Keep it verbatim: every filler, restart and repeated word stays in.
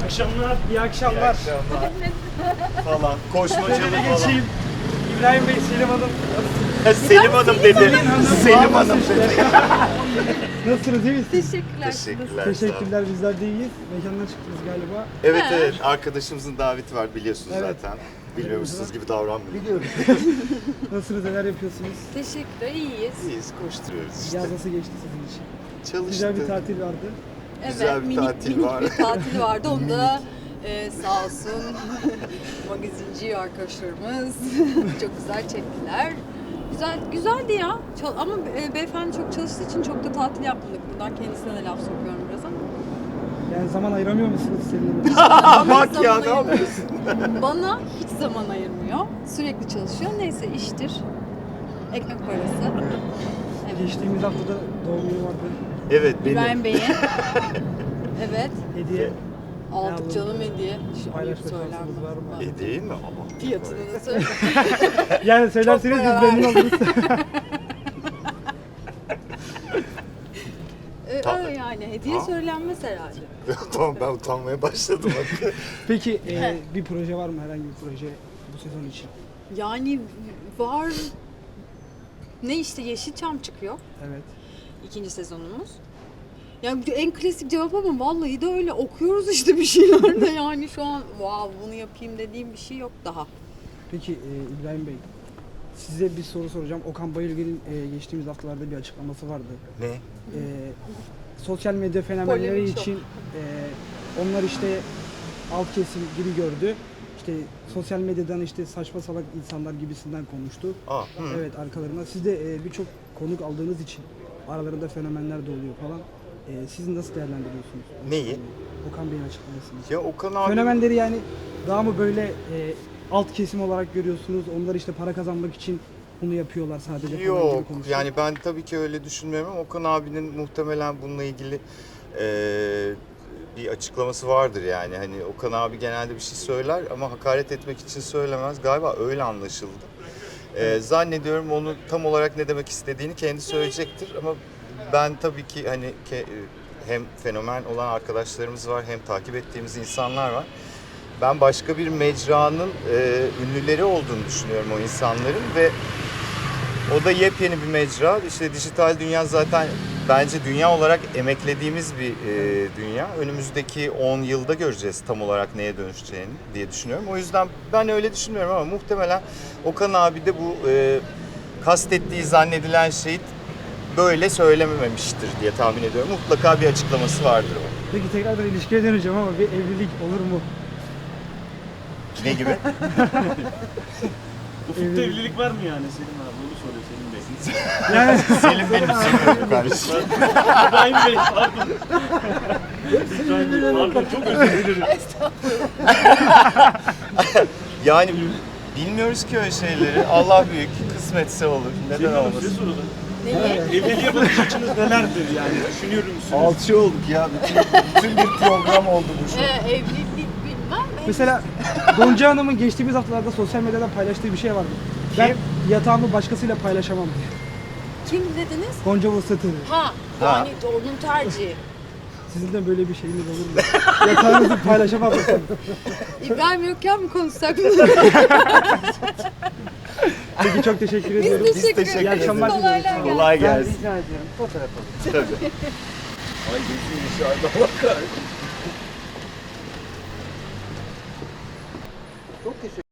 akşamlar. İyi akşamlar. falan. Koşmacalı Şöyle falan. geçeyim. İbrahim Bey, Selim Hanım. Selim Hanım dedi. Selim Hanım dedi. Nasılsınız, iyi misiniz? Teşekkürler. Teşekkürler. sağ olun. Teşekkürler, bizler de iyiyiz. Mekandan çıktınız galiba. Evet evet arkadaşımızın daveti var biliyorsunuz Evet. zaten. Bilmiyormuşsunuz gibi davranmıyorum. Biliyorum. Nasılsınız, neler yapıyorsunuz? Teşekkürler, iyiyiz. İyiyiz koşturuyoruz işte. Yaz nasıl geçti sizin için? Çalıştık. Güzel bir tatil vardı. Güzel bir minik, tatil minik var. bir tatil vardı. Onu da e, sağ olsun magazinci arkadaşlarımız çok güzel çektiler. Güzel, güzeldi ya. Çal- ama e, beyefendi çok çalıştığı için çok da tatil yapmadık. Buradan kendisine de laf sokuyorum biraz ama. Yani zaman ayıramıyor musunuz Selim Bana Bak ya zaman ne ayırmıyor. yapıyorsun? Bana hiç zaman ayırmıyor. Sürekli çalışıyor. Neyse iştir. Ekmek parası. Evet. Geçtiğimiz haftada doğum günü vardı. Evet benim. İbrahim Bey'e. Evet. Hediye Aldık aldın? canım hediye. Şu ayıp Paylaşma söyler şansınız var mı? mi? E değil mi? Ama. Fiyatını da söyle. Yani söylerseniz biz para memnun oluruz. Ee, Ta- öyle yani hediye Ha? söylenmez herhalde. Tamam ben utanmaya başladım. Peki e, bir proje var mı, herhangi bir proje bu sezon için? Yani var ne işte Yeşilçam çıkıyor Evet. ikinci sezonumuz. Yani bu en klasik cevap ama vallahi de öyle okuyoruz işte bir şeyler de yani şu an wow bunu yapayım dediğim bir şey yok daha. Peki e, İbrahim Bey, size bir soru soracağım. Okan Bayülgen'in e, geçtiğimiz haftalarda bir açıklaması vardı. Ne? E, sosyal medya fenomenleri Polemik çok. için e, onlar işte alt kesim gibi gördü. İşte sosyal medyadan işte saçma salak insanlar gibisinden konuştu. Aa, hı. Evet, arkalarına. Siz de e, birçok konuk aldığınız için aralarında fenomenler de oluyor falan. E, siz nasıl değerlendiriyorsunuz? Neyi? Okan Bey'in açıklamasını. Ya Okan abi. Fenomenleri yani daha mı böyle e, alt kesim olarak görüyorsunuz? Onlar işte para kazanmak için bunu yapıyorlar sadece falan gibi Yok konuşuyor. yani ben tabii ki öyle düşünmüyorum ama Okan abinin muhtemelen bununla ilgili eee, bir açıklaması vardır yani. Hani Okan abi genelde bir şey söyler ama hakaret etmek için söylemez. Galiba öyle anlaşıldı. Eee, zannediyorum onu tam olarak ne demek istediğini kendi söyleyecektir ama ben tabii ki hani ke- hem fenomen olan arkadaşlarımız var hem takip ettiğimiz insanlar var. Ben başka bir mecranın eee, ünlüleri olduğunu düşünüyorum o insanların ve o da yepyeni bir mecra. İşte dijital dünya zaten bence dünya olarak emeklediğimiz bir e, dünya. Önümüzdeki on yılda göreceğiz tam olarak neye dönüşeceğini diye düşünüyorum. O yüzden ben öyle düşünmüyorum ama muhtemelen Okan abi de bu e, kastettiği zannedilen şeyi böyle söylememiştir diye tahmin ediyorum. Mutlaka bir açıklaması vardır o. Peki tekrardan ilişkiye döneceğim ama bir evlilik olur mu? Ne gibi? Ufukta evlilik var mı yani Selim abi? Onu soruyor Selim Bey. Yani Selim benim seviyorum kardeşim. İbrahim Bey pardon. İbrahim Bey pardon çok özür dilerim. Yani bilmiyoruz ki öyle şeyleri. Allah büyük, kısmetse olur. Neden Selim Hanım size olmasın? soralım. Neyi? Evliliğe bakış açınız nelerdir yani? Düşünüyor musunuz? Alçı olduk ya. Bütün, bütün bir program oldu bu şu. Ee, evlilik bilmem. mesela Gonca Hanım'ın geçtiğimiz haftalarda sosyal medyadan paylaştığı bir şey vardı. Ben yatağımı başkasıyla paylaşamam diye. Kim dediniz? Gonca Vuslat'ı. Ha, yani onun tercihi. Sizin de böyle bir şeyiniz olur mu? Yatağınızı paylaşamam mısınız? İbrahim yokken mi konuşsak? Peki çok teşekkür ediyorum. Biz teşekkür teşekkür ederiz. ederiz. Kolaylar gelsin. Kolay Ben gelsin. rica ediyorum. Fotoğraf alın. Tabii. Ay gözüm dışarıda Allah kahretsin. Çok teşekkür